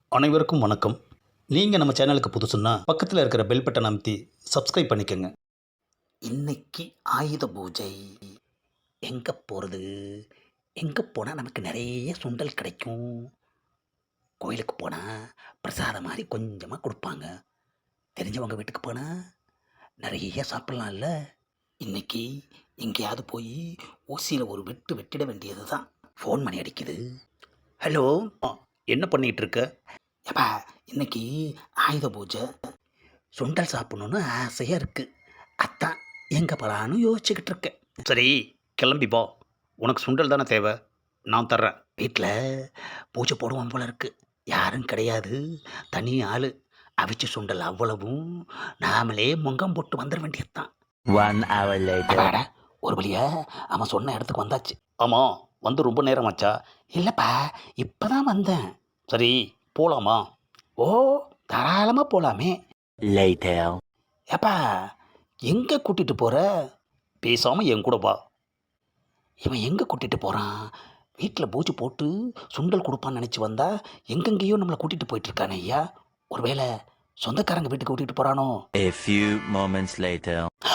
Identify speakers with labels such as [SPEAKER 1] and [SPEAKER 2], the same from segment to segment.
[SPEAKER 1] அனைவருக்கும் வணக்கம். நீங்கள் நம்ம சேனலுக்கு புதுசுன்னா பக்கத்தில் இருக்கிற பெல் பட்டனை அமைத்தி சப்ஸ்கிரைப் பண்ணிக்கோங்க. இன்னைக்கு ஆயுத பூஜை. எங்கே போகிறது? எங்கே போனால் நமக்கு நிறைய சுண்டல் கிடைக்கும்? கோயிலுக்கு போனால் பிரசாதம் மாதிரி கொஞ்சமாக கொடுப்பாங்க. தெரிஞ்சவங்க வீட்டுக்கு போனால் நிறைய சாப்பிட்லாம்ல. இன்னைக்கு எங்கேயாவது போய் ஊசியில் ஒரு வெட்டு வெட்டிட வேண்டியது தான். ஃபோன் பண்ணி அடிக்குது. ஹலோ, என்ன பண்ணிகிட்டு இருக்க? ஏப்பா, இன்னைக்கு ஆயுத பூஜை, சுண்டல் சாப்பிடணுன்னு ஆசையாக இருக்குது. அதான் எங்கே போகலான்னு யோசிச்சுக்கிட்டு இருக்கேன். சரி, கிளம்பி போ. உனக்கு சுண்டல் தானே தேவை, நான் தர்றேன். வீட்டில் பூஜை போடுவோம் போல இருக்கு. யாரும் கிடையாது, தனி ஆள். அவிச்ச சுண்டல் அவ்வளவும் நாமளே முங்கம் போட்டு வந்துட வேண்டியது தான்.
[SPEAKER 2] 1 hour later.
[SPEAKER 1] ஒரு வழியா அவன் சொன்ன இடத்துக்கு வந்தாச்சு. ஆமாம், வந்து ரொம்ப நேரம் ஆச்சா? இல்லைப்பா, இப்போ தான் வந்தேன். சரி, போகலாமா? ஓ, தாராளமாக போகலாமே.
[SPEAKER 2] Later.
[SPEAKER 1] ஏப்பா, எங்கே கூட்டிகிட்டு போகிற? பேசாமல் என் கூட வா. இவன் எங்கே கூட்டிகிட்டு போகிறான்? வீட்டில் பூஜை போட்டு சுண்டல் கொடுப்பான்னு நினச்சி வந்தா எங்கெங்கேயோ நம்மளை கூட்டிகிட்டு போயிட்டுருக்கானே ஐயா. ஒருவேளை சொந்தக்காரங்க வீட்டுக்கு கூட்டிகிட்டு போகிறானோ?
[SPEAKER 2] A few moments later.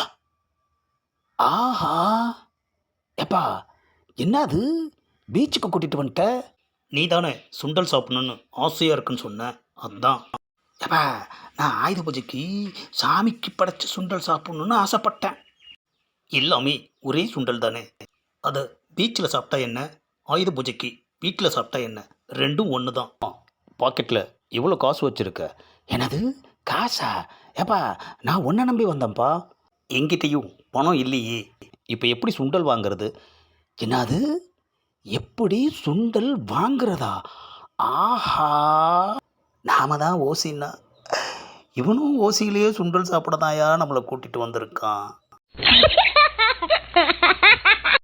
[SPEAKER 1] ஆஹா, ஏப்பா, என்னது பீச்சுக்கு கூட்டிகிட்டு வந்துட்ட? நீ தானே சுண்டல் சாப்பிடணுன்னு ஆசையாக இருக்குன்னு சொன்ன, அதுதான். ஏப்பா, நான் ஆயுத பூஜைக்கு சாமிக்கு படைச்ச சுண்டல் சாப்பிடணுன்னு ஆசைப்பட்டேன். எல்லாமே ஒரே சுண்டல் தானே. அதை பீச்சில் சாப்பிட்டா என்ன, ஆயுத பூஜைக்கு வீட்டில் சாப்பிட்டா என்ன, ரெண்டும் ஒன்று தான். பாக்கெட்டில் இவ்வளோ காசு வச்சுருக்க. எனது காசா? ஏப்பா, நான் உன்னை நம்பி வந்தேன்ப்பா. எங்கிட்டையும் பணம் இல்லையே. இப்போ எப்படி சுண்டல் வாங்கிறது? என்னது, எப்படி சுண்டல் வாங்குறதா? ஆஹா, நாம தான் ஓசின்னா இவனும் ஓசியிலேயே சுண்டல் சாப்பிட தாயா நம்மளை கூட்டிகிட்டு வந்திருக்கான்.